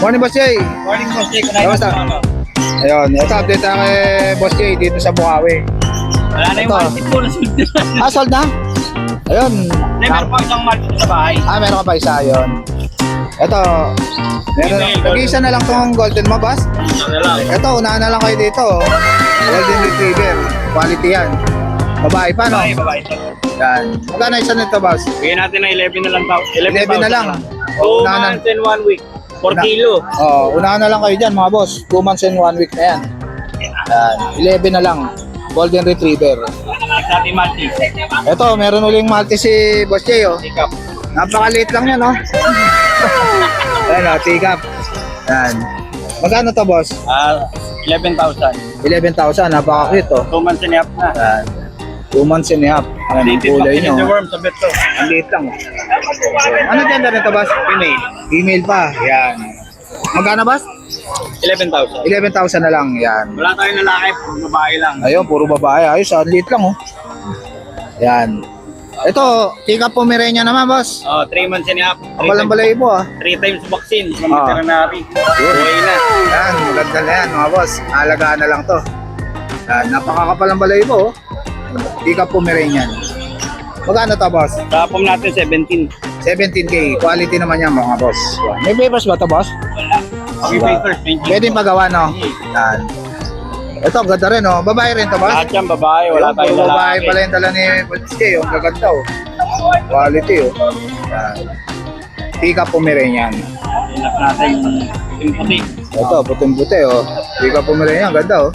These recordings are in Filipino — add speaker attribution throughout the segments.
Speaker 1: Morning, Boss Jay.
Speaker 2: Morning, Boss Jake.
Speaker 1: Kamusta? Ayun, ito update tayo kay Boss Jay dito sa Bukawi.
Speaker 2: Wala na yung
Speaker 1: Ito.
Speaker 2: market po. Nasunod na.
Speaker 1: Sold na? Ayun.
Speaker 2: Meron pa isang market sa bahay.
Speaker 1: Meron ka pa isa, ayun. Ito, meron, nag-iisa na lang tong golden mo, boss.
Speaker 2: Ano lang.
Speaker 1: Ito, unahan na lang kayo dito. Golden Retriever. Quality yan. Babae pa, no?
Speaker 2: Babae.
Speaker 1: Yan. Magkano isa nito, boss?
Speaker 2: Bigyan natin ng 11 na lang tao.
Speaker 1: 11 na lang.
Speaker 2: 2
Speaker 1: Unahan na.
Speaker 2: months and 1 week. 4 kilo.
Speaker 1: Unahan na lang kayo dyan, mga boss. 2 months and 1 week na yan. Yan. 11 na lang. Golden Retriever.
Speaker 2: Next natin Maltese.
Speaker 1: Ito, meron uling Maltese si Boss Jay, oh.
Speaker 2: Pick up.
Speaker 1: Napakaliit lang yan, no? Ayan, oh, take-up. Yan. Magkano to, boss?
Speaker 2: 11,000.
Speaker 1: 11,000, napaka-cute, oh.
Speaker 2: 2 months and a half na.
Speaker 1: Yan. 2 months and a half. Ayan, ang kulay nyo.
Speaker 2: The worm sa bet to.
Speaker 1: Ang liit lang, oh. Ano gender nito, boss?
Speaker 2: Female.
Speaker 1: Female pa. Yan. Magkano, boss?
Speaker 2: 11,000.
Speaker 1: 11,000 na lang. Yan.
Speaker 2: Wala tayong lalaki. Babae lang.
Speaker 1: Ayun, puro babae. Ayos, ang liit lang, oh. Yan. Ito, take-up Pomeranian naman, boss.
Speaker 2: 3 months and a half.
Speaker 1: Ang balang-balay po, ah.
Speaker 2: 3 times vaccine from
Speaker 1: Ah.
Speaker 2: veterinary. Buhay na.
Speaker 1: Yan, maganda na yan, mga boss. Alagaan na lang to. Yan, napakakapal ng balay po, oh. Take-up Pomeranian. Magkano to, boss?
Speaker 2: Tapos natin 17.
Speaker 1: 17K. Quality naman yan, mga boss. Yan. May papers ba to, boss?
Speaker 2: Wala. Kami papers.
Speaker 1: Pwede pagawa, no? Yan. Ito, ganda rin, oh. Babae rin to, boss?
Speaker 2: Lahat yan babae. Wala
Speaker 1: Ayun,
Speaker 2: tayong
Speaker 1: puro babae
Speaker 2: lalaki.
Speaker 1: pala yung dala ni Boss Jay, oh. Ang gaganda, oh. Quality, oh. Yan. Take-up Pomeranian.
Speaker 2: Enough natin yung puti.
Speaker 1: Ito, puting-puti, oh. Take-up Pomeranian, ganda, oh.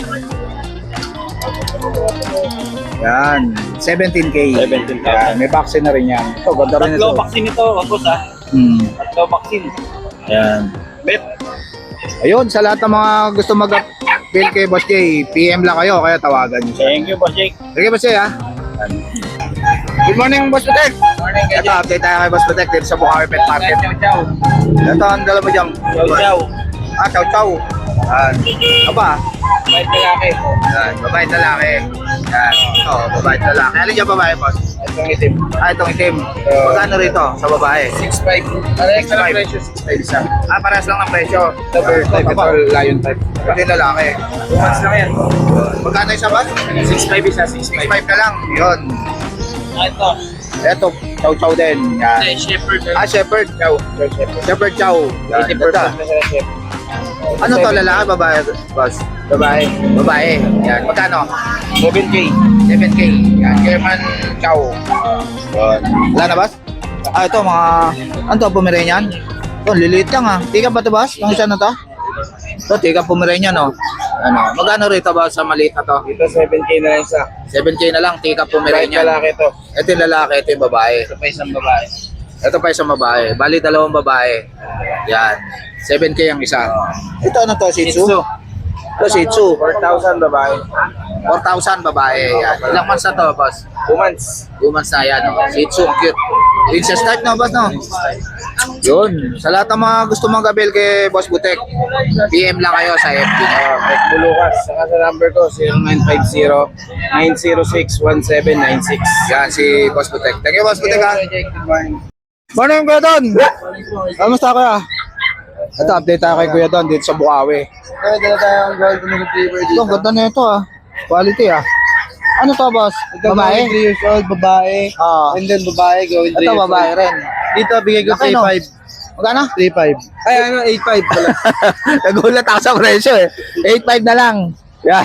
Speaker 1: Yan, 17K.
Speaker 2: 17K.
Speaker 1: Yan, may vaccine na rin yan. Ito, ganda rin ito.
Speaker 2: Tatlo vaccine ito, kapos ha. Tatlo vaccine.
Speaker 1: Yan.
Speaker 2: Bet.
Speaker 1: Ayun, sa lahat ng mga gusto mag-bill kay Boss Jay, PM lang kayo, kaya tawagan niyo siya.
Speaker 2: Thank you, Boss Jake.
Speaker 1: Sige, Boss Jay, ha? Yan. Good morning, Boss Protect.
Speaker 2: Morning,
Speaker 1: Ito, update tayo kay Boss Protect dito sa Bukawi Pet Market.
Speaker 2: Ciao.
Speaker 1: Ito, ang dala mo dyan.
Speaker 2: Ciao.
Speaker 1: Chow chow. Yan. Aba,
Speaker 2: Bait lalaki.
Speaker 1: yan, babae at lalaki. Yan, ito, babae at lalaki. Alin dyan babae, Boss?
Speaker 2: Itong itim.
Speaker 1: Itong itim. Magkano rito sa babae?
Speaker 2: 6'5". Parehas na lang presyo, 6'5 isa.
Speaker 1: Parehas lang ng presyo.
Speaker 2: Ito bird type, ito lion type.
Speaker 1: Ito yung lalaki.
Speaker 2: 2 months lang yan.
Speaker 1: Magkano isa ba?
Speaker 2: 6'5 isa,
Speaker 1: 5
Speaker 2: 6'5.
Speaker 1: na lang. Yun.
Speaker 2: Ito.
Speaker 1: Ito, chow chow din. Yan.
Speaker 2: Shepherd.
Speaker 1: Shepherd.
Speaker 2: Ciao. Shepherd.
Speaker 1: Shepherd chow. Yan.
Speaker 2: 80%
Speaker 1: Ganda.
Speaker 2: na sila shepherd.
Speaker 1: Ano to, lalaki, babae, boss?
Speaker 2: Babae.
Speaker 1: Babae. Yan. Magkano?
Speaker 2: 7K.
Speaker 1: 7K. Yan. German chow. Yan. Wala na, boss? Ito, mga... Ano to, Pomeranian? Ito, liliit lang, ha. Tika ba to, boss? Yung isa na to? Ito, tika Pomeranian, no? Ano? Magkano rito, boss, sa maliit na to?
Speaker 2: Ito 7K na lang isa.
Speaker 1: 7K na lang, tika
Speaker 2: Right
Speaker 1: Pomeranian.
Speaker 2: lalaki ito.
Speaker 1: Ito yung lalaki, ito yung babae.
Speaker 2: Ito pa isang babae.
Speaker 1: Ito pa isang babae. Bali, dalawang babae. Yan. 7K ang isa. Ito ano to, Shih Tzu? Ito, Shih Tzu.
Speaker 2: 4,000 babae.
Speaker 1: 4,000 babae. Yan. Ilang months na to, boss?
Speaker 2: 2 months.
Speaker 1: 2 months na yan. Oh. Shih Tzu, ang cute. Princess type no, boss, no? Yun. Sa lahat ng mga gusto mag-avail kay Boss Butek, PM lang kayo sa FB.
Speaker 2: Mike Bulukas. Saka sa number ko, 0950-906-1796.
Speaker 1: Yan, si Boss Butek. Thank you, Boss Butek, ha?
Speaker 2: Good morning.
Speaker 1: Morning, Kuya Don! Kamusta, Kuya? Ito, update tayo kay Kuya Don dito sa Bukawi.
Speaker 2: Kaya dala tayong golden retriever
Speaker 1: Ito,
Speaker 2: dito.
Speaker 1: ang ganda na ito, ah. Quality, ah. Ano to, boss? Babae?
Speaker 2: 3 years old, babae.
Speaker 1: Ah.
Speaker 2: And then babae, going 3
Speaker 1: Ito,
Speaker 2: years old.
Speaker 1: babae rin.
Speaker 2: Dito, bigay ko
Speaker 1: Laki, no?
Speaker 2: 3.5.
Speaker 1: Magkano?
Speaker 2: 3.5. Ay, ano, 8.5 pala.
Speaker 1: Nagulat ako sa presyo, eh. 8.5 na lang. Yan.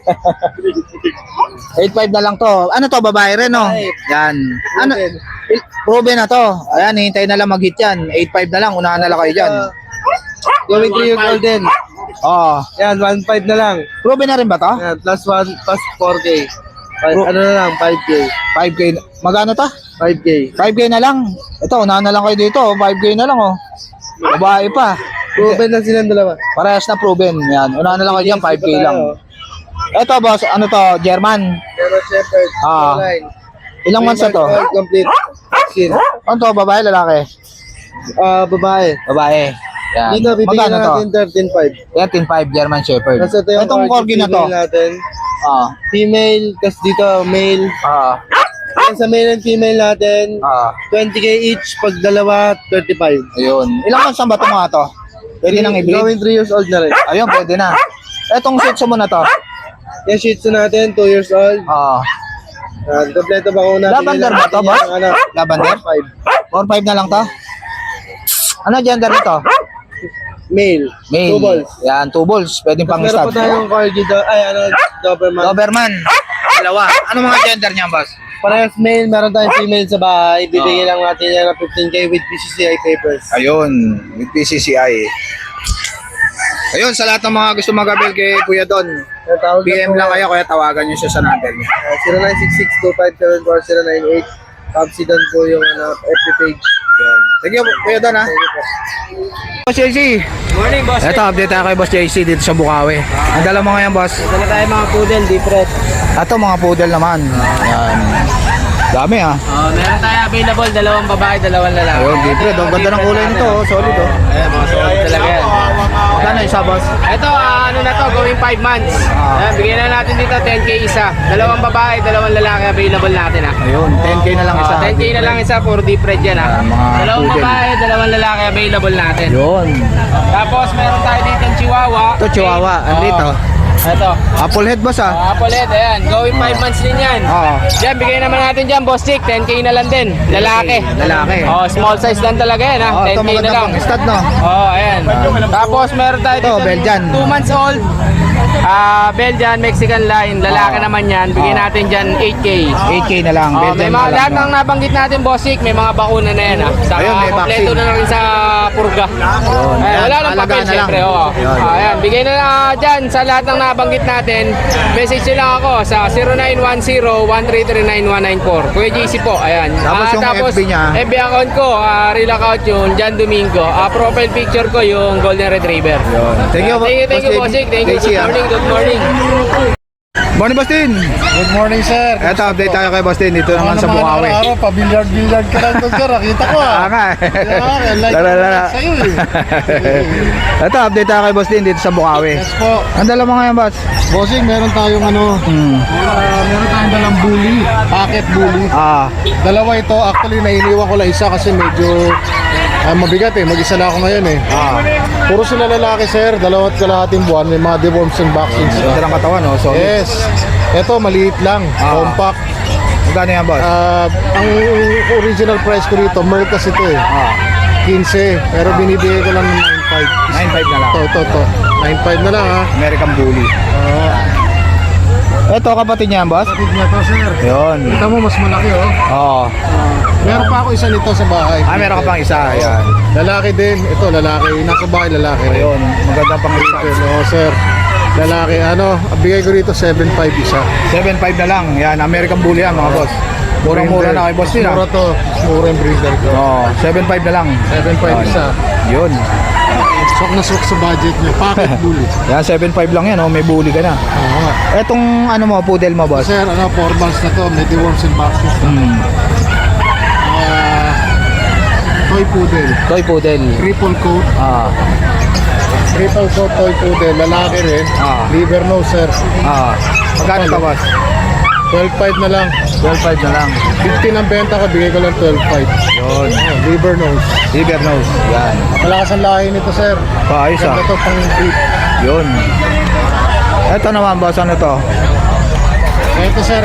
Speaker 1: 8.5 na lang to. Ano to, babae rin, no?
Speaker 2: Babae.
Speaker 1: Yan. Ano? Proven na to. Ayan, hintay na lang mag-hit yan. 8.5 na lang, unahan na lang kayo dyan.
Speaker 2: Going 3 years old din.
Speaker 1: Oh.
Speaker 2: Yan, 1.5 na lang.
Speaker 1: Proven na rin ba to?
Speaker 2: Yan, plus 4K. Ano na lang, 5K.
Speaker 1: 5K. Magkano to?
Speaker 2: 5K.
Speaker 1: 5K na lang. Ito, unahan na lang kayo dito. 5K na lang, oh. Babae pa.
Speaker 2: Proven na silang dalawa.
Speaker 1: Parehas na proven. Yan. Unahan na lang kayo dyan, 5K lang. Ito, boss, ano to? German.
Speaker 2: Pero Shepherd,
Speaker 1: Ah.
Speaker 2: line.
Speaker 1: Ilang months na to?
Speaker 2: Complete. Vaccine.
Speaker 1: Ano to, babae, lalaki?
Speaker 2: Babae.
Speaker 1: Babae. Yan.
Speaker 2: Dito, bibigyan
Speaker 1: Magkano
Speaker 2: na natin 13.5.
Speaker 1: Yan, 10.5 German Shepherd.
Speaker 2: Kasi ito yung
Speaker 1: Itong corgi na to.
Speaker 2: female natin.
Speaker 1: Ah.
Speaker 2: Female, kasi dito male.
Speaker 1: Ah.
Speaker 2: Yan sa male and female natin,
Speaker 1: Ah.
Speaker 2: 20K each, pag dalawa, 35.
Speaker 1: Ayun. Ilang months na ba ito mga to? Pwede nang i-breed.
Speaker 2: Going 3 years old na rin.
Speaker 1: Ayun, pwede na. Etong Shih Tzu mo na to.
Speaker 2: Yung Shih Tzu natin, 2 years old.
Speaker 1: Oo.
Speaker 2: Kompleto ba kung natin?
Speaker 1: Lavender ba to, boss? Lavender?
Speaker 2: 5.
Speaker 1: 4-5 na lang to. Ano gender nito?
Speaker 2: Male.
Speaker 1: Male.
Speaker 2: 2 balls.
Speaker 1: Yan, 2 balls. Pwedeng pang
Speaker 2: Meron
Speaker 1: stud.
Speaker 2: pa tayong Corgi, Doberman.
Speaker 1: Doberman. Dalawa. Ano mga gender niya, boss?
Speaker 2: Parehas male, meron tayong female sa bahay. Bibigyan lang natin yan ng 15K with PCCI papers.
Speaker 1: Ayun, with PCCI. Ayun, sa lahat ng mga gusto mag-abel kay Kuya Don, PM lang kayo, kaya tawagan nyo siya sa number niya.
Speaker 2: 0966-257-4098. Capsidon po yung FB page.
Speaker 1: Yun. Sige, Kuya Don, ha? Boss JC.
Speaker 2: Morning, boss.
Speaker 1: Ito, update tayo kay Boss JC dito sa Bukawi. Ang dala mo ngayon, boss?
Speaker 2: Dala tayo mga poodle, different.
Speaker 1: Ito, mga poodle naman. Yan. Dami, ha?
Speaker 2: Meron tayo available, 2 babae, 2 lalaki.
Speaker 1: Ayun, different. Ang ganda ng kulay nito, oh. Solid, oh.
Speaker 2: Ayan, mga solid talaga yan.
Speaker 1: Magkano isa, boss?
Speaker 2: Ito, ano na to, going 5 months. Ayan, bigyan na natin dito 10K isa. 2 babae, 2 lalaki available natin ha.
Speaker 1: Ayun, 10K na lang isa.
Speaker 2: 10K na lang isa for different yan ha.
Speaker 1: mga
Speaker 2: 2
Speaker 1: poodle.
Speaker 2: babae, 2 lalaki available natin.
Speaker 1: Yun.
Speaker 2: Tapos meron tayo dito yung Chihuahua.
Speaker 1: Ito, Chihuahua. Andito.
Speaker 2: Ito.
Speaker 1: Apple head, boss, ha?
Speaker 2: Apple head, ayan. Going 5 months din yan.
Speaker 1: Oo.
Speaker 2: Diyan, bigay naman natin dyan, boss chick. 10K na lang din. Lalaki.
Speaker 1: Lalaki.
Speaker 2: Oh, small size lang talaga yan ha.
Speaker 1: Oh, ito
Speaker 2: 10K na
Speaker 1: maganda
Speaker 2: lang.
Speaker 1: pang stud, no?
Speaker 2: Oh, ayan. Tapos meron tayo
Speaker 1: Ito,
Speaker 2: dito.
Speaker 1: Belgian.
Speaker 2: 2 months old. Belgian, Mexican line. Lalaki naman yan. Bigyan natin dyan 8K.
Speaker 1: 8K na lang.
Speaker 2: Oh, may
Speaker 1: Belgian
Speaker 2: mga
Speaker 1: na lang,
Speaker 2: lahat
Speaker 1: no?
Speaker 2: ng nabanggit natin, bossik, may mga bakuna na yan ha. Sa
Speaker 1: Ayun, may
Speaker 2: kompleto
Speaker 1: vaccine.
Speaker 2: na rin sa purga. Ayan, wala nang
Speaker 1: alagaan
Speaker 2: papel,
Speaker 1: na lang.
Speaker 2: syempre. Oh.
Speaker 1: Yun.
Speaker 2: Ayan, bigay na lang dyan sa lahat ng nabanggit natin. Message nyo lang ako sa 0910-133-9194. Kuya JC po, ayan.
Speaker 1: Tapos yung FB niya.
Speaker 2: FB account ko, real account yun, Jan Domingo. Profile picture ko yung Golden Retriever.
Speaker 1: Yun. Thank you,
Speaker 2: Thank you,
Speaker 1: Boss
Speaker 2: bossik. Thank you.
Speaker 1: JC,
Speaker 2: Good
Speaker 1: ah.
Speaker 2: morning, good morning.
Speaker 1: Morning, Bastin.
Speaker 3: Good morning, sir.
Speaker 1: Ito, update tayo kay Bastin. Dito naman sa Bukawi.
Speaker 3: Araw-araw, pa-billiard-billiard ka lang doon, sir. Nakita ko,
Speaker 1: Ah, nga.
Speaker 3: like
Speaker 1: Lala.
Speaker 3: sa'yo,
Speaker 1: Ito, update tayo kay Bastin dito sa Bukawi.
Speaker 3: Yes po.
Speaker 1: Ang dala mo ngayon, boss?
Speaker 3: Bossing, meron tayong meron tayong dalang bully, packet bully.
Speaker 1: Ah,
Speaker 3: Dalawa ito, actually, nainiwan ko lang isa kasi medyo mabigat eh. Mag-isa na ako ngayon eh. Puro sila lalaki, sir. 2.5 buwan. May mga deworms and vaccines.
Speaker 1: ganda ng katawan, no? So,
Speaker 3: Yes. Ito, maliit lang. Compact.
Speaker 1: magkano yan, boss?
Speaker 3: Ang original price ko dito, Merl kasi ito eh. 15. Pero binibigay ko lang ng 9.5.
Speaker 1: 9.5 na lang.
Speaker 3: Ito. 9.5 na lang ha.
Speaker 1: American Bully. Ito, kapatid niya, boss?
Speaker 3: Kapit niya to, sir.
Speaker 1: Yun.
Speaker 3: Kita mo, mas malaki oh.
Speaker 1: Oo.
Speaker 3: Meron pa ako isa nito sa bahay.
Speaker 1: Ah, meron ka pang isa. Ayan.
Speaker 3: Lalaki din. Ito, lalaki. Nasa bahay, lalaki rin.
Speaker 1: Ayun, magandang pang isa.
Speaker 3: Oo, sir. Lalaki. Bigay ko dito 7.5 isa.
Speaker 1: 7.5 na lang. Yan, American Bully yan, mga boss. Murang-mura na kay boss din,
Speaker 3: Mura to. Mura yung breeder ko.
Speaker 1: Oo, 7.5 na lang.
Speaker 3: 7.5 isa.
Speaker 1: Yun.
Speaker 3: Sok na sok sa budget niya. Pocket bully.
Speaker 1: Yan, 7.5 lang yan, oh. May bully ka na.
Speaker 3: Oo.
Speaker 1: Etong ano mo, poodle mo, boss?
Speaker 3: Sir, 4 months na to. May deworms and vaccines na. Toy poodle.
Speaker 1: Toy poodle.
Speaker 3: Triple coat.
Speaker 1: Ah,
Speaker 3: Triple coat toy poodle. Lalaki rin. Liver nose, sir.
Speaker 1: magkano ka, boss?
Speaker 3: 12.5 na lang.
Speaker 1: 12.5 na lang.
Speaker 3: 15 ang benta ka, bigay ko lang 12.5.
Speaker 1: Yun.
Speaker 3: Liver nose.
Speaker 1: Liver nose. Yan.
Speaker 3: Malakas ang lahi nito, sir.
Speaker 1: Paayos, ah.
Speaker 3: Ganda to pang breed.
Speaker 1: Yun. Ito naman, boss, ano to?
Speaker 3: Ito, sir,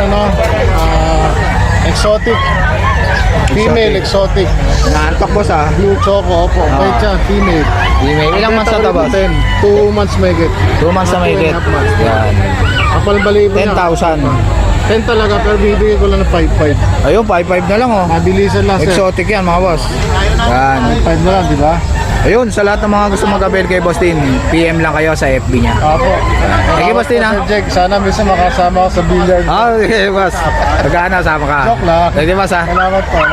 Speaker 3: exotic. Female exotic.
Speaker 1: Naantok, boss, ah.
Speaker 3: Blue choco, opo. Wait siya, female.
Speaker 1: Email. Ilang months na to, boss?
Speaker 3: 2 months may get.
Speaker 1: 2 months na may get.
Speaker 3: 2.5 months.
Speaker 1: Yan.
Speaker 3: Kapal balibo niya.
Speaker 1: 10,000.
Speaker 3: 10 talaga, pero bibigay ko lang ng 5.5.
Speaker 1: Ayun, 5.5 na lang, oh.
Speaker 3: Mabilisan lang, sir.
Speaker 1: Exotic yan, mga boss. Yan.
Speaker 3: 5 na lang, di ba?
Speaker 1: Ayun, sa lahat ng mga gusto mag-avail kay Boss Tin, PM lang kayo sa FB niya.
Speaker 3: Opo.
Speaker 1: Thank you, Boss Tin, ha?
Speaker 3: Sir Jake, sana minsan makasama ako sa billiard.
Speaker 1: Ah, okay, boss. Magkano, sama ka.
Speaker 3: Joke lang.
Speaker 1: Thank you, boss, ha?
Speaker 3: Salamat po.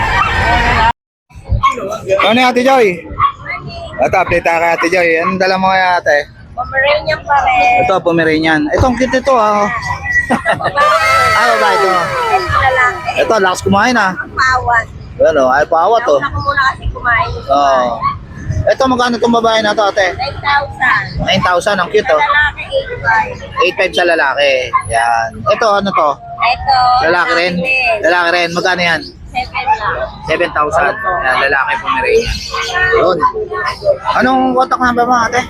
Speaker 1: Ano yung Ate Joy? Ito, update tayo kay Ate Joy. Anong dala mo kay ate?
Speaker 4: Pomeranian pa rin.
Speaker 1: Ito, Pomeranian. Itong cute ito, ha? Baba ito.
Speaker 4: Ito lalaki.
Speaker 1: Ito, lakas kumain, ha?
Speaker 4: Ang pawat.
Speaker 1: Ano, ay pawat, to.
Speaker 4: Nauna ko muna kasi kumain.
Speaker 1: Oo. Ito, magkano itong babae na to, ate?
Speaker 4: 9,000.
Speaker 1: 9,000, ang cute,
Speaker 4: Sa
Speaker 1: oh.
Speaker 4: lalaki,
Speaker 1: 8.5 sa lalaki. Yan. Ito, ano to?
Speaker 4: 8,500. Ito.
Speaker 1: Lalaki rin? Lalaki rin. Magkano yan?
Speaker 4: 7,000.
Speaker 1: 7,000. Yan, lalaki Pomeranian. Yun. Anong contact number mo ate?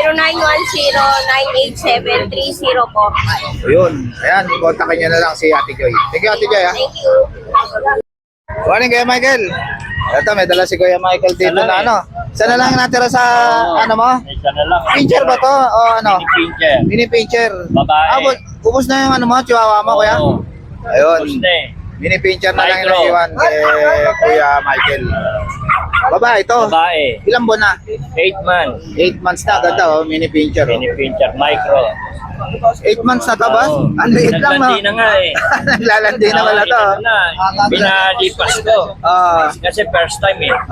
Speaker 4: 0910-987-3045.
Speaker 1: Yun. Ayan, kontakin nyo na lang si Ate Joy. Thank you Ate Joy ha.
Speaker 4: Thank you.
Speaker 1: Morning Kuya Michael. Ito, may dala si Kuya Michael dito na ano. Sana lang natira sa ano mo?
Speaker 5: Isa na lang.
Speaker 1: Pincher ba to? O ano?
Speaker 5: Pincher.
Speaker 1: Mini pincher.
Speaker 5: Babae.
Speaker 1: Ubus na yung ano mo, chihuahua mo kuya?
Speaker 5: Oo.
Speaker 1: Ayun.
Speaker 5: Gusto eh.
Speaker 1: Mini pincher na lang yung
Speaker 5: Micro.
Speaker 1: naiwan kay Kuya Michael. Babae ito.
Speaker 5: Babae.
Speaker 1: Ilang buwan na?
Speaker 5: 8 months.
Speaker 1: 8 months na. Ganda oh, mini pincher. Oh.
Speaker 5: Mini pincher. Micro.
Speaker 1: 8 months na to boss? Ang liit lang no?
Speaker 5: Naglanti na nga eh.
Speaker 1: Naglalandi na wala to.
Speaker 5: Ito na. Pinalipas ko. Kasi first time eh.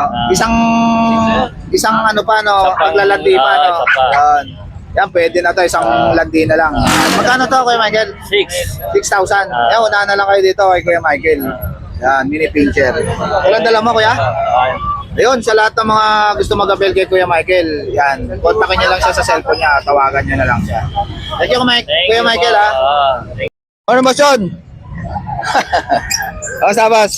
Speaker 1: Isang ano pa no,
Speaker 5: Isa pang-
Speaker 1: paglalandi pa no.
Speaker 5: isa pa.
Speaker 1: Yan. Yan, pwede na to, isang landi na lang. Magkano to Kuya Michael?
Speaker 5: 6.
Speaker 1: 6,000. Yan, unahan na lang kayo dito kay Kuya Michael. Yan, mini pincher. Ilan dala mo Kuya? Ayun, sa lahat ng mga gusto mag-abel kay Kuya Michael, yan, kontakin niyo lang siya sa cellphone niya, tawagan niyo na lang siya. Thank you Kuya Michael ha. Ano ba Sean? Kamusta boss?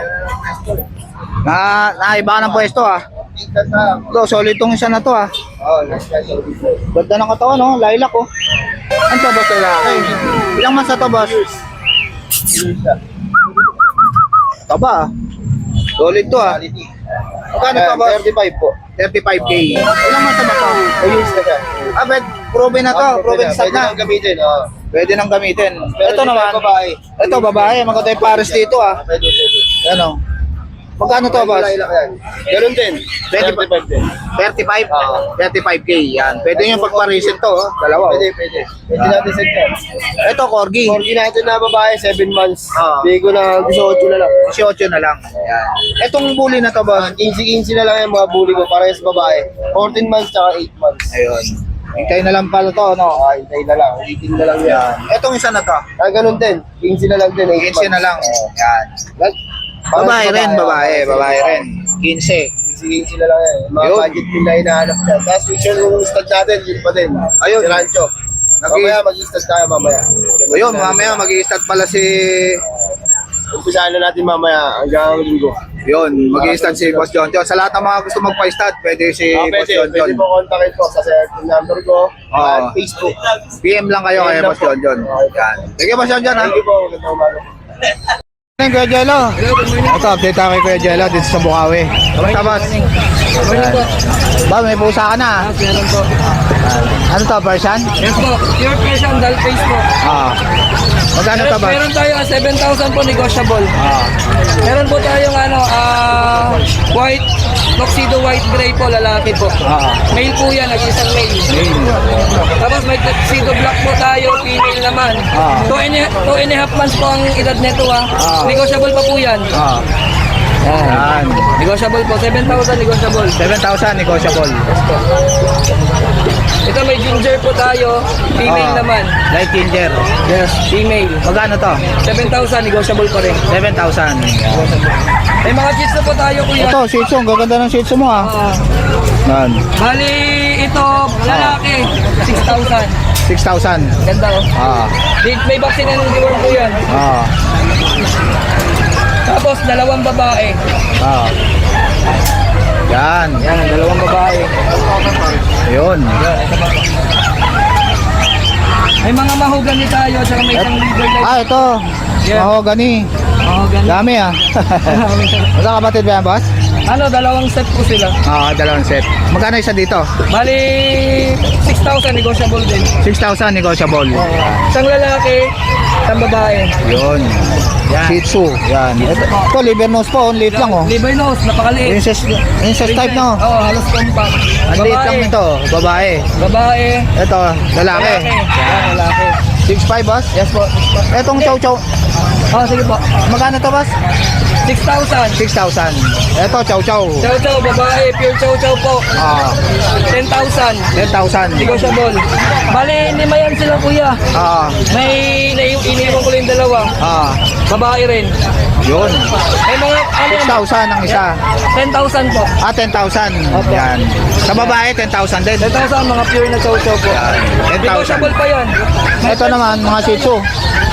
Speaker 1: Naiba ka ng pwesto ah. Ito, solid tong isa na to ah. Ganda ng katawan no, lilac oh. Ano to boss lalaki? Ilang months na to boss? Taba ah. Solid to ah. Magkano pa boss? 35 po. 35k. Ilang months na ba to? 2 years na siya. Proven na to, proven stud na.
Speaker 6: gamitin.
Speaker 1: Pwede nang gamitin. Ito naman,
Speaker 6: babae.
Speaker 1: ito babae, maganda yung pares dito ah.
Speaker 6: Pwede.
Speaker 1: Ano? Magkano to boss?
Speaker 6: Ganun din.
Speaker 1: 35
Speaker 6: din.
Speaker 1: 35? 35k yan. Pwede yung pagparisin to, oh. Dalawa. Oh.
Speaker 6: Pwede. Pwede natin set yan.
Speaker 1: Ito, corgi.
Speaker 6: Corgi natin na babae, 7 months.
Speaker 1: Oo.
Speaker 6: Bigay ko na 18 na lang.
Speaker 1: 18 na lang. Yan. Itong bully na to boss.
Speaker 6: 15 na lang yung mga bully ko, parehas babae. 14 months tsaka 8 months.
Speaker 1: Ayun. Hintay na lang pala to, no?
Speaker 6: Hintay na lang. 18 na lang yan.
Speaker 1: Itong isa na to.
Speaker 6: Ganun din. 15 na lang din. 8
Speaker 1: 15 na lang. Yan. Babae rin, babae rin. 15.
Speaker 6: 15 na lang yan. Yung mga
Speaker 1: Yun.
Speaker 6: budget din na hinahanap yan. Tapos make sure yung stud natin, yun pa din.
Speaker 1: Ayun.
Speaker 6: Si Rancho. Mamaya mag-stud tayo mamaya.
Speaker 1: Ayun, mamaya mag-i-start pala si...
Speaker 6: Umpisahan na natin mamaya hanggang linggo.
Speaker 1: Yun, mag-i-start si Boss John John. Sa lahat ng mga gusto magpa-start, pwede si Boss John John.
Speaker 6: Pwede po kontakin po sa cellphone number ko at Facebook.
Speaker 1: PM lang kayo kay Boss John John. Yan. Sige Boss John John ha.
Speaker 6: Thank you po. Magandang umaga po.
Speaker 1: Morning, Kuya Jello. Ito, update tayo kay Kuya Jello dito sa Bukawi. Kamusta, boss? Morning po. Ba, may pusa ka na.
Speaker 2: Meron po.
Speaker 1: Ano to, Persian?
Speaker 2: Yes po. Pure Persian, dull face po.
Speaker 1: Magkano to, boss?
Speaker 2: Meron tayo 7,000 po negotiable. Meron po tayong white, tuxedo white gray po, lalaki po. Male po yan, nag-isang male. Tapos may tuxedo black po tayo, female naman. 2.5 months po ang edad nito Negotiable pa po yan.
Speaker 1: Yan.
Speaker 2: Negotiable po, 7,000 negotiable.
Speaker 1: 7,000 negotiable.
Speaker 2: Ito may ginger po tayo, female naman.
Speaker 1: Light ginger.
Speaker 2: Yes, female.
Speaker 1: Magkano to?
Speaker 2: 7,000 negotiable pa rin.
Speaker 1: 7,000.
Speaker 2: May mga chits na po tayo kuya.
Speaker 1: Ito, Shih Tzu. Ang gaganda ng Shih Tzu mo Yan.
Speaker 2: Bali, ito, lalaki, 6,000.
Speaker 1: 6,000.
Speaker 2: Ganda May vaccine na ng deworm po yan. Tapos, dalawang babae.
Speaker 1: Yan.
Speaker 2: Yan, dalawang babae.
Speaker 1: Yun.
Speaker 2: May mga mahogany tayo, saka may isang liver light.
Speaker 1: Ito.
Speaker 2: Yeah.
Speaker 1: Mahogany.
Speaker 2: Mahogany.
Speaker 1: Dami Masa kapatid ba yan, boss?
Speaker 2: Dalawang set po sila.
Speaker 1: Dalawang set. Magkano isa dito?
Speaker 2: Bali, 6,000 negotiable din.
Speaker 1: 6,000 negotiable.
Speaker 2: Isang lalaki, isang babae.
Speaker 1: Yun. Yan. Shih Tzu. Yan. Ito, liver nose po. Ang liit lang
Speaker 2: Liver nose, napakaliit.
Speaker 1: Princess type no?
Speaker 2: Halos compact.
Speaker 1: Ang liit lang nito. Babae.
Speaker 2: Babae.
Speaker 1: Ito, lalaki.
Speaker 2: Yan, lalaki.
Speaker 1: 6'5 boss?
Speaker 2: Yes po.
Speaker 1: Etong chow chow.
Speaker 2: Sige po.
Speaker 1: Magkano to boss?
Speaker 2: 6,000.
Speaker 1: 6,000. Ito, chow chow.
Speaker 2: Chow chow, babae, pure chow chow po. 10,000.
Speaker 1: 10,000.
Speaker 2: Negotiable. Bali, 5 yan sila kuya. May iniwan ko lang yung dalawa. Babae rin.
Speaker 1: Yun.
Speaker 2: May mga,
Speaker 1: 6,000 ang isa.
Speaker 2: 10,000 po.
Speaker 1: 10,000. Yan. Sa babae, 10,000 din.
Speaker 2: 10,000 mga pure na chow chow po.
Speaker 1: 10,000.
Speaker 2: Negotiable pa yan.
Speaker 1: Ito naman, mga Shih Tzu.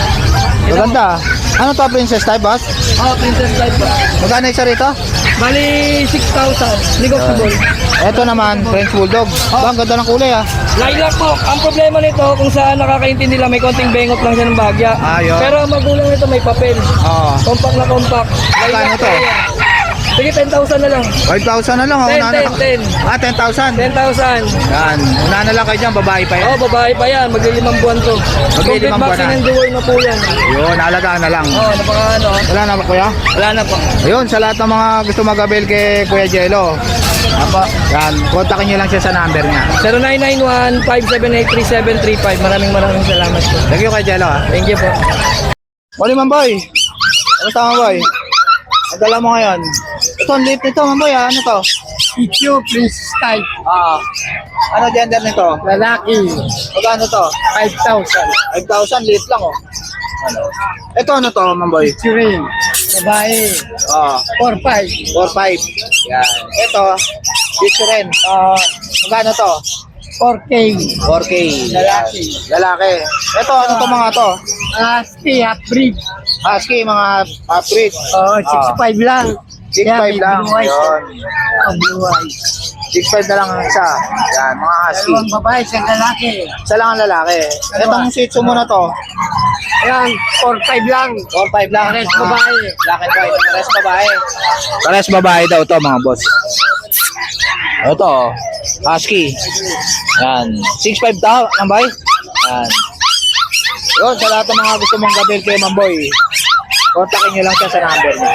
Speaker 1: Maganda. Ano to, princess type, boss?
Speaker 2: Princess type po.
Speaker 1: Magkano isa rito?
Speaker 2: Bali, 6,000. Negotiable.
Speaker 1: Ito naman, French Bulldog. Ba, ang ganda ng kulay ah.
Speaker 2: Lilac po. Ang problema nito, kung saan nakakaintindi lang, may konting bengot lang siya ng bagya.
Speaker 1: Ayun.
Speaker 2: Pero ang magulang nito may papel.
Speaker 1: Oo.
Speaker 2: Compact na compact.
Speaker 1: Magkano
Speaker 2: Lilac
Speaker 1: to?
Speaker 2: po yan. Sige, 10,000 na lang.
Speaker 1: 5,000 na lang. Oh.
Speaker 2: 10,
Speaker 1: Una na.
Speaker 2: 10, 10.
Speaker 1: Ah, 10,000.
Speaker 2: 10,000.
Speaker 1: Yan. Una na lang kayo dyan, babae pa yan.
Speaker 2: Oh, babae pa yan. Maglilimang buwan to. Complete
Speaker 1: Maglilimang buwan
Speaker 2: vaccine
Speaker 1: na.
Speaker 2: and deworm na po yan.
Speaker 1: Yun, alagaan na lang.
Speaker 2: Oh, napaka ano.
Speaker 1: Wala na ba, kuya?
Speaker 2: Wala na po.
Speaker 1: Ayun, sa lahat ng mga gusto mag-avail kay Kuya Jello. Apa, yan, kontakin nyo lang siya sa number niya.
Speaker 2: 0991-578-3735. Maraming salamat po.
Speaker 1: Thank you, Kuya Jello.
Speaker 2: Thank you po.
Speaker 1: Morning, Mamboy. Ano tama, Mamboy? Ang dala mo ngayon. Ito, ang liit nito, Mamboy. Ah. Ano to?
Speaker 2: Ito, princess type.
Speaker 1: Ano gender nito?
Speaker 2: Lalaki.
Speaker 1: Magkano to?
Speaker 2: 5,000.
Speaker 1: 5,000, liit lang, oh. Ano? Ito, ano to, Mamboy?
Speaker 2: Turin. Babae. 4,500.
Speaker 1: 4,500. Yan. Ito, dito rin. Magkano to?
Speaker 2: 4K.
Speaker 1: 4K.
Speaker 2: Lalaki.
Speaker 1: Lalaki. Ito, ano to mga to?
Speaker 2: Husky, half-breed.
Speaker 1: Husky, mga breed.
Speaker 2: 6,500 lang.
Speaker 1: 6,500 lang. Yun.
Speaker 2: Blue eyes.
Speaker 1: 6,500 na lang ang isa. Yan, mga husky.
Speaker 2: Dalawang babae, isang lalaki.
Speaker 1: Isa lang ang lalaki. Itong Shih Tzu mo na to,
Speaker 2: Ayan, 4,500 lang.
Speaker 1: 4,500 lang.
Speaker 2: Pares babae.
Speaker 1: Black and white. Pares babae. Pares babae daw to mga boss. Ito, husky. Yan. 6,500 daw, Mamboy. Yan. Yun, sa lahat ng mga gusto mong gabil kay Mamboy, kontakin nyo lang siya sa number niya.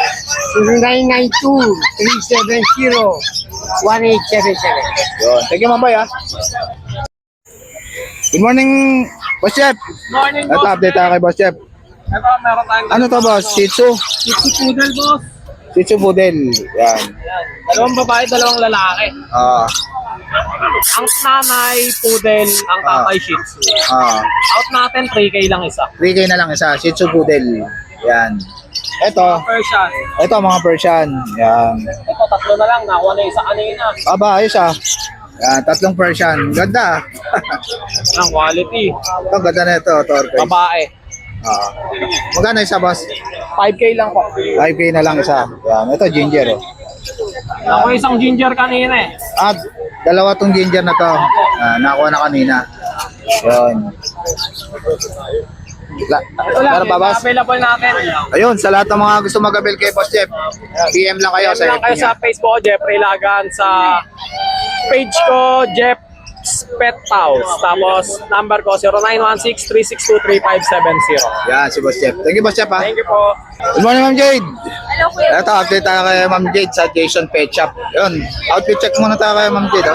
Speaker 2: 0992-370-1877.
Speaker 1: Yun. Thank you, Mamboy, ha. Good morning, Boss Jeff.
Speaker 2: Morning,
Speaker 1: Ito, update tayo kay Boss Jeff.
Speaker 2: Ito, meron tayong
Speaker 1: Ano to, Boss? Shih Tzu?
Speaker 2: poodle, boss.
Speaker 1: Shih Tzu Poodle. Yan.
Speaker 2: Dalawang babae, dalawang lalaki. Ang nanay, poodle, ang tatay, shih tzu. Out natin, 3K lang isa.
Speaker 1: 3K na lang isa. Shih Tzu Poodle. Yan. Ito.
Speaker 2: Persian.
Speaker 1: Ito, mga Persian. Yan.
Speaker 2: Ito, tatlo na lang. Nakuha na isa kanina.
Speaker 1: Aba, ayos ah. Yan, 3 Persian. Ganda.
Speaker 2: Ang quality.
Speaker 1: Ito, ganda na ito. Torque.
Speaker 2: Babae.
Speaker 1: Magkano isa, boss?
Speaker 2: 5K lang po.
Speaker 1: 5K na lang isa. Yan. Ito, ginger. Oh.
Speaker 2: Ako isang ginger kanina eh.
Speaker 1: Ah, dalawa tong ginger na to. Nakuha na kanina. Yun. Meron ba, boss?
Speaker 2: Available natin.
Speaker 1: Ayun, sa lahat ng mga gusto mag-avail kay Boss Jeff, PM lang kayo sa
Speaker 2: lang kayo
Speaker 1: FB
Speaker 2: sa
Speaker 1: niya.
Speaker 2: Facebook, Jeffrey Lagan, sa page ko, Jeff's Pet House. Tapos, number ko, 0916-362-3570.
Speaker 1: Yan, si Boss Jeff. Thank you, Boss Jeff, ha.
Speaker 2: Thank you po.
Speaker 1: Good morning, Ma'am Jade.
Speaker 4: Hello, Kuya.
Speaker 1: Ito, update tayo kay Ma'am Jade sa Jason Pet Shop. Yun, outfit check muna tayo kay Ma'am Jade, oh.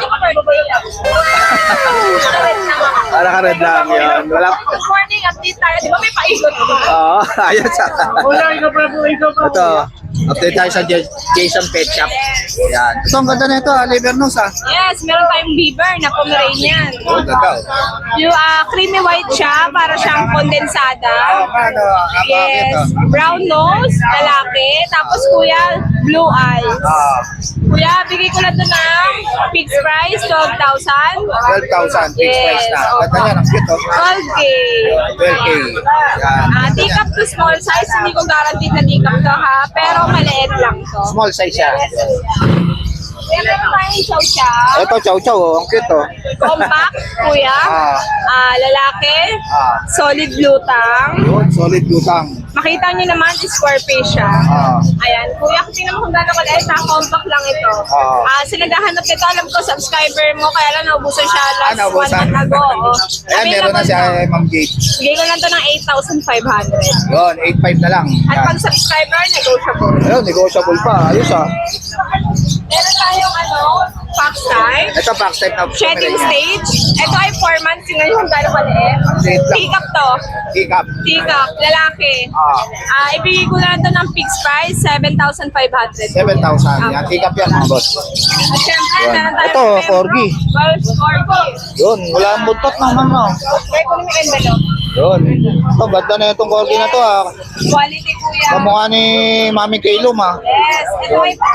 Speaker 1: Para ka red lang, yun. Wala.
Speaker 4: Good morning, update tayo. Di ba may paikot?
Speaker 1: Oo, ayos, ha.
Speaker 2: ikaw pa.
Speaker 1: Ito, update tayo sa Jason Pet Shop. Yan. Ito, ang ganda na ito, liver nose, ha.
Speaker 4: Yes, meron tayong beaver na Pomeranian.
Speaker 1: Oh, ganda, oh.
Speaker 4: Yung creamy white siya, para siyang kondensada.
Speaker 1: Ano,
Speaker 4: Yes, brown nose, lalaki. Tapos kuya, blue eyes. Kuya, bigay ko lang ito ng fixed price, 12,000.
Speaker 1: 12,000, fixed price na. Ganda niya, ang cute, oh.
Speaker 4: 12K.
Speaker 1: 12K. Yan.
Speaker 4: Take up to small size, hindi ko guaranteed na take up to ha, pero maliit lang to.
Speaker 1: Small size siya.
Speaker 4: Meron tayong chow-chow.
Speaker 1: Ito, chow chow, oh. Ang cute, oh.
Speaker 4: Compact, kuya. Lalaki. Solid blue tang.
Speaker 1: Yun, solid lutang.
Speaker 4: Makita nyo naman, square face siya. Ayan. Kuya, kung tingnan mo kung gano'n maliit na, compact lang ito. Sa naghahanap nito, alam ko, subscriber mo, kaya lang naubusan siya last 1
Speaker 1: naubusan.
Speaker 4: month ago.
Speaker 1: Ayan, meron na siya, Ma'am Jade.
Speaker 4: Bigay ko lang to ng 8,500.
Speaker 1: Yun, 8.5 na lang.
Speaker 4: At
Speaker 1: Yan.
Speaker 4: pag subscriber, negotiable.
Speaker 1: Ayun, negotiable pa. Ayos, ah.
Speaker 4: Meron tayong pack type.
Speaker 1: Ito, back type na.
Speaker 4: Shedding stage. Ito ay 4 months. Tingnan nyo kung gano'n maliit.
Speaker 1: Liit lang.
Speaker 4: Pick up to.
Speaker 1: Pick up.
Speaker 4: Pick up. Lalaki. Ibigay ko na ito ng fixed price, 7,500.
Speaker 1: 7,000. Yan, pick up yan, mga boss.
Speaker 4: At syempre,
Speaker 1: Yan.
Speaker 4: meron tayong
Speaker 1: Ito, corgi.
Speaker 4: Wolf Corgi.
Speaker 1: Yun, wala ang buntot ng mama.
Speaker 4: Kaya ko naman yung envelope.
Speaker 1: Yun. Ito, ganda na itong corgi na to, ah.
Speaker 4: Quality kuya.
Speaker 1: Kamukha ni Mami Kailum, ah.
Speaker 4: Yes. Ito ay babae.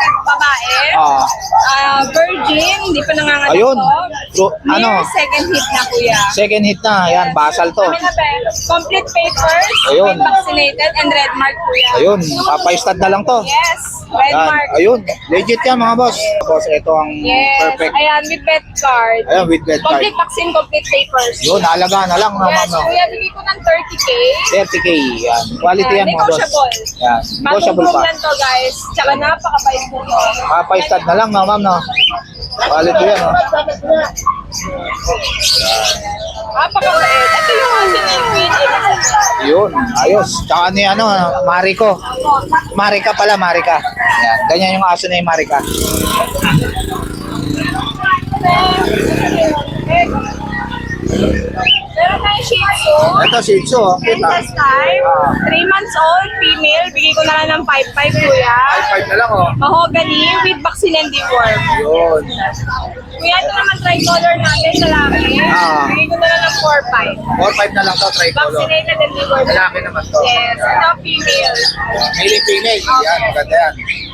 Speaker 4: babae.
Speaker 1: Ah.
Speaker 4: Virgin, hindi pa nanganganak
Speaker 1: Ayun.
Speaker 4: to.
Speaker 1: Ano?
Speaker 4: Near second hit na kuya.
Speaker 1: Second hit na. Yan, basal to.
Speaker 4: Kami na ba? Complete papers,
Speaker 1: Ayun.
Speaker 4: fully vaccinated, and red mark kuya.
Speaker 1: Ayun, papaistad na lang to.
Speaker 4: Yes, red
Speaker 1: Yan.
Speaker 4: mark.
Speaker 1: Ayun, legit yan mga boss. Boss, ito ang
Speaker 4: Yes,
Speaker 1: perfect.
Speaker 4: ayan, with vet card.
Speaker 1: Ayun, with vet card.
Speaker 4: Complete vaccine, complete papers.
Speaker 1: Yun, halaga na lang naman.
Speaker 4: Yes,
Speaker 1: No?
Speaker 4: kuya, bigay ko ng 30K.
Speaker 1: 30K. Yan. Quality yan mga boss.
Speaker 4: Negotiable.
Speaker 1: Yan.
Speaker 4: Bagong
Speaker 1: Negotiable
Speaker 4: room
Speaker 1: pa.
Speaker 4: lang to guys. Tsaka napakabait po to.
Speaker 1: Papaistad na lang no, ma'am, no? Quality yan, no?
Speaker 4: Napakabait. Ito yung asin ng Queen Elizabeth.
Speaker 1: Yun, ayos. Tsaka ni ano, Mariko. Marika pala, Marika. Yan. Ganyan yung aso na yung Marika.
Speaker 4: Meron tayong Shih Tzu.
Speaker 1: Ito, Shih Tzu. Oh. Kita.
Speaker 4: Princess type.
Speaker 1: Ah.
Speaker 4: 3 months old, female. Bigay ko na lang ng 5-5 kuya.
Speaker 1: 5 na lang, oh.
Speaker 4: Mahogany with vaccine and deworm.
Speaker 1: Yun.
Speaker 4: Kuya, ito naman tricolor natin, lalaki.
Speaker 1: Ah.
Speaker 4: Bigay ko na lang ng 4-5.
Speaker 1: 4-5 na lang to, tricolor.
Speaker 4: Vaccinated and deworm.
Speaker 1: Lalaki naman to.
Speaker 4: Yes, ito female.
Speaker 1: Male and female. Yan, maganda yan.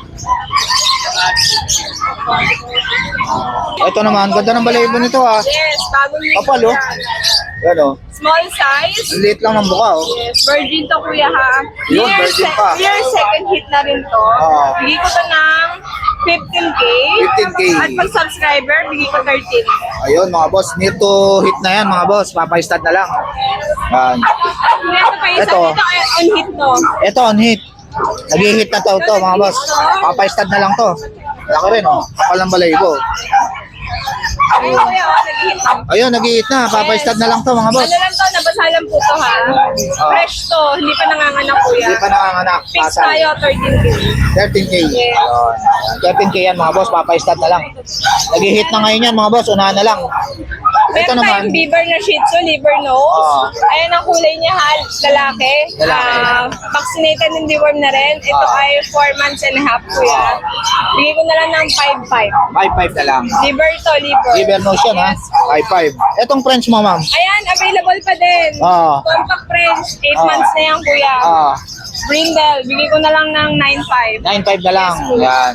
Speaker 1: Ito naman, ganda ng balahibo nito, ah.
Speaker 4: Yes, bagong ligo
Speaker 1: Kapal, oh.
Speaker 4: yan.
Speaker 1: Yan, oh.
Speaker 4: Small size.
Speaker 1: Ang liit lang ng buka, oh.
Speaker 4: Yes, virgin to kuya ha.
Speaker 1: Yun, virgin pa.
Speaker 4: Year second hit na rin to.
Speaker 1: Oo.
Speaker 4: Bigay ko to ng 15K.
Speaker 1: 15K.
Speaker 4: At pag subscriber, bigay ko 13.
Speaker 1: Ayun, mga boss. Near to hit na yan, mga boss. Papaistad na lang. Yan.
Speaker 4: Kuya, ito pa isa
Speaker 1: Ito.
Speaker 4: dito ay on hit to.
Speaker 1: Ito, on hit. Nag-hit na to, mga boss. Papaistad na lang to. Laki rin, oh. Kapal ng balahibo.
Speaker 4: Ayun kuya, nag-hit to.
Speaker 1: Ayun, nag-hit na. Papaistad na lang to, mga boss.
Speaker 4: Ano lang to, nabasa lang po to ha. Fresh to, hindi pa nanganganak kuya.
Speaker 1: Hindi pa nanganganak.
Speaker 4: Fix
Speaker 1: Pasal.
Speaker 4: tayo, 13K.
Speaker 1: 13K.
Speaker 4: Yes.
Speaker 1: Ayun. 13K yan, mga boss. Papaistad na lang. Nag-hit na ngayon yan, mga boss. Unahan na lang. Ito
Speaker 4: Meron
Speaker 1: naman.
Speaker 4: tayong beaver na Shih Tzu, liver nose.
Speaker 1: Oo.
Speaker 4: Ayan ang kulay niya ha, lalaki.
Speaker 1: Lalaki.
Speaker 4: Vaccinated and deworm na rin. Ito
Speaker 1: Oo.
Speaker 4: ay 4 months and a half kuya. Bigay ko na lang ng 5-5.
Speaker 1: 5-5 na lang.
Speaker 4: Liver to, liver.
Speaker 1: Liver nose yan, ha?
Speaker 4: Yes.
Speaker 1: 5-5. Etong French mo, ma'am.
Speaker 4: Ayan, available pa din.
Speaker 1: Oo.
Speaker 4: Compact French, 8
Speaker 1: Oo.
Speaker 4: months na yan kuya.
Speaker 1: Ah,
Speaker 4: Brindle, bigay ko na lang ng 9-5.
Speaker 1: 9-5 na lang. Yan.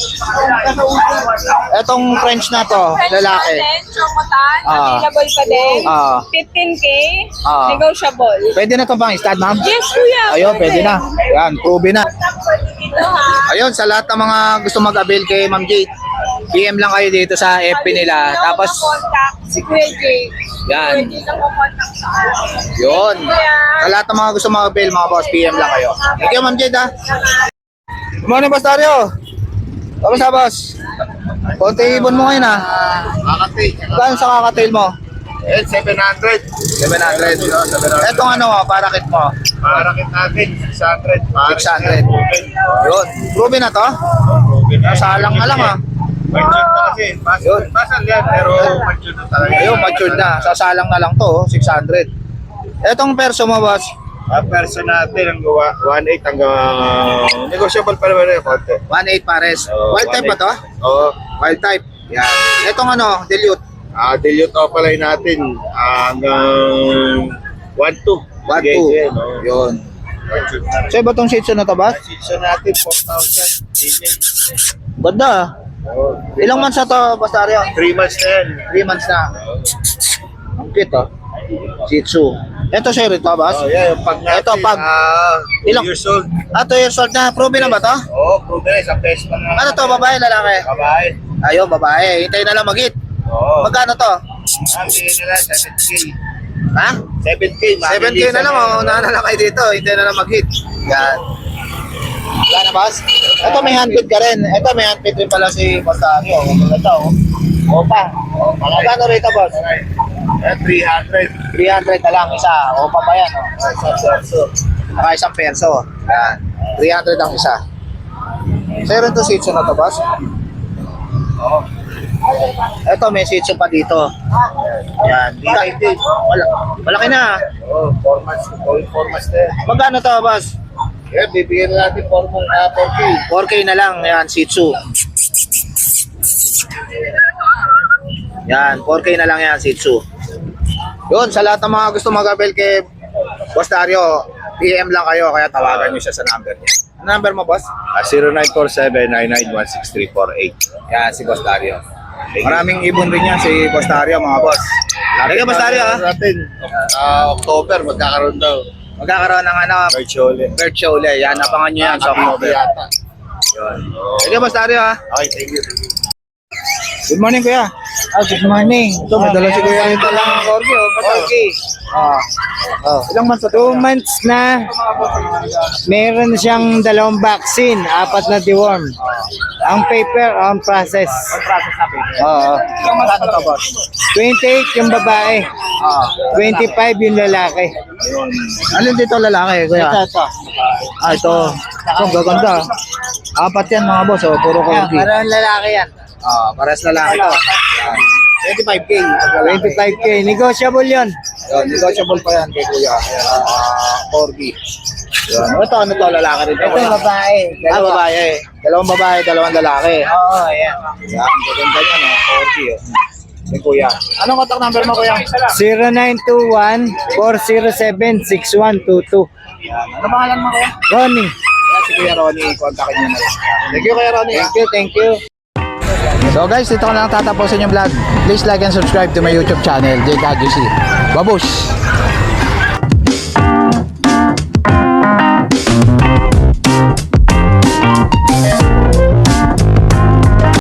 Speaker 1: Etong French na to,
Speaker 4: French
Speaker 1: lalaki.
Speaker 4: natin, Chocotan,
Speaker 1: Ah.
Speaker 4: available pa din.
Speaker 1: Ah.
Speaker 4: 15K,
Speaker 1: Ah.
Speaker 4: negotiable.
Speaker 1: Pwede na to bang stud, ma'am?
Speaker 4: Yes, kuya.
Speaker 1: Ayun, pwede na. Yan, proven na.
Speaker 4: Ito ha.
Speaker 1: Ayun, sa lahat ng mga gusto mag-avail kay Ma'am Jade, PM lang kayo dito sa FB nila. Tapos,
Speaker 4: contact si Kuya Jay.
Speaker 1: yan.
Speaker 4: Kuya Jay lang contact sa akin.
Speaker 1: Yun. Sa lahat ng mga gusto mag-avail, mga boss, PM lang kayo. Thank you, Ma'am Jade, ha. Good morning, Boss Dario. Kamusta, boss? Konti ibon mo ngayon, ha.
Speaker 3: Kakati.
Speaker 1: Gano'n sa kakatail mo?
Speaker 3: 700.
Speaker 1: 700. Etong ano, parakit mo?
Speaker 3: Parakit natin, 600.
Speaker 1: 600. Yun. Proven na to? Nasalang na lang, ha.
Speaker 3: Mature na kasi.
Speaker 1: Yun.
Speaker 3: Pasal yan, pero mature na talaga.
Speaker 1: Ayun, matured na. Sasalang na lang to, oh, 600. Etong perso mo, boss?
Speaker 3: Ang person natin ang gawa, 1.8 hanggang negotiable pa naman yung konti.
Speaker 1: 1.8 pares.
Speaker 3: Oo,
Speaker 1: Wild type ba to?
Speaker 3: Oo.
Speaker 1: Wild type. Yan. Etong ano, dilute.
Speaker 3: Dilute opalay natin hanggang 1.2.
Speaker 1: 1.2. Yun. So, iba tong Shih Tzu na to, boss?
Speaker 3: Season natin, 4,000. Email.
Speaker 1: Ganda, ah.
Speaker 3: Oo.
Speaker 1: Ilang months na to, Boss Dario?
Speaker 3: 3 months na yan.
Speaker 1: 3 months na. Ang cute, oh. Shih Tzu. Ito, sir, ito, boss?
Speaker 3: Oh, yeah, yung pag natin,
Speaker 1: Ito, pag-
Speaker 3: ilang
Speaker 1: ilang-
Speaker 3: years old.
Speaker 1: 2 years old na. Proven na ba to?
Speaker 3: Oo, proven na, isang peso pa na.
Speaker 1: Ano to, babae, lalaki?
Speaker 3: Babae.
Speaker 1: Ayun, babae. Hintay na lang mag-hit.
Speaker 3: Oo.
Speaker 1: Magkano to?
Speaker 3: Bigyan na lang, 7K.
Speaker 1: Ha?
Speaker 3: 7K,
Speaker 1: 7K na lang, oh. Unahan na lang kayo dito. Hintay na lang mag-hit. Yan. Wala na, boss? Ito, may handpid ka rin. Ito, may handpid rin pala si Boss Dario. Ito, oh. Opa. Magkano rito, boss?
Speaker 3: 300.
Speaker 1: 300 na lang isa. Opa pa yan, oh. Saka isang perso. Yan. 300 ang isa. Sir, ito Shih Tzu na to, boss?
Speaker 3: Oo.
Speaker 1: Ito, may Shih Tzu pa dito. Yan. Malaki na.
Speaker 3: Oo, 4 months. Going 4 months na yan.
Speaker 1: Magkano to, boss?
Speaker 3: Yeah, bibigyan na natin 4K.
Speaker 1: 4K na lang. Yan, Shih Tzu. Yan, 4K na lang yan, Shih Tzu. Yun, sa lahat ng mga gusto mag-avail kay Boss Dario, PM lang kayo, kaya tawagan nyo siya sa number niya. number mo, boss?
Speaker 7: 0947-99-16348.
Speaker 1: Yan, si Boss Dario. Maraming ibon rin yan si Boss Dario, mga boss. Thank you, Boss Dario, ha?
Speaker 7: Natin, October, magkakaroon daw.
Speaker 1: Magkakaroon ng ano,
Speaker 7: Virtually.
Speaker 1: bird show ulit. Yan, napangan nyo yan sa October.
Speaker 7: Yata.
Speaker 1: Yun. Thank you, Boss Dario, ha?
Speaker 7: Okay, thank you.
Speaker 1: Good morning, kuya.
Speaker 6: Good morning.
Speaker 1: Ito, may dala si kuya rin talang corgi, oh. Corgi. Ilang months na to?
Speaker 6: 2 months na. Meron siyang 2 vaccine, 4 na deworm. Ang paper, ang process.
Speaker 1: Process na, baby.
Speaker 6: Oo.
Speaker 1: Ilang months na to, boss?
Speaker 6: 28 yung babae, 25 yung lalaki.
Speaker 1: Alin dito lalaki, kuya?
Speaker 6: Ito.
Speaker 1: Ito. Ito, gaganda. 4 yan, mga boss, oh. Puro corgi.
Speaker 6: Parang lalaki yan.
Speaker 1: Pares lalaki to. Yan. 25K.
Speaker 6: 25K. Negotiable yun.
Speaker 1: Yun, negotiable pa yan kay kuya. Ayan, corgi. Yun. Ito, ano to, lalaki rin to.
Speaker 6: Ito babae.
Speaker 1: Babae. Dalawang babae, dalawang lalaki.
Speaker 6: Oo, yan.
Speaker 1: Yan, gaganda yan, oh. Corgi, oh. Kay kuya. Anong contact number mo, kuya?
Speaker 6: 0921-407-6122.
Speaker 1: Yan. Ano pangalan mo, kuya?
Speaker 6: Ronnie.
Speaker 1: Yan, si Kuya Ronnie. Kontakin niyo na lang. Thank you, Kuya Ronnie.
Speaker 6: Thank you.
Speaker 1: So guys, dito ko na lang tatapusin yung vlog. Please like and subscribe to my YouTube channel, JKGC. Babush!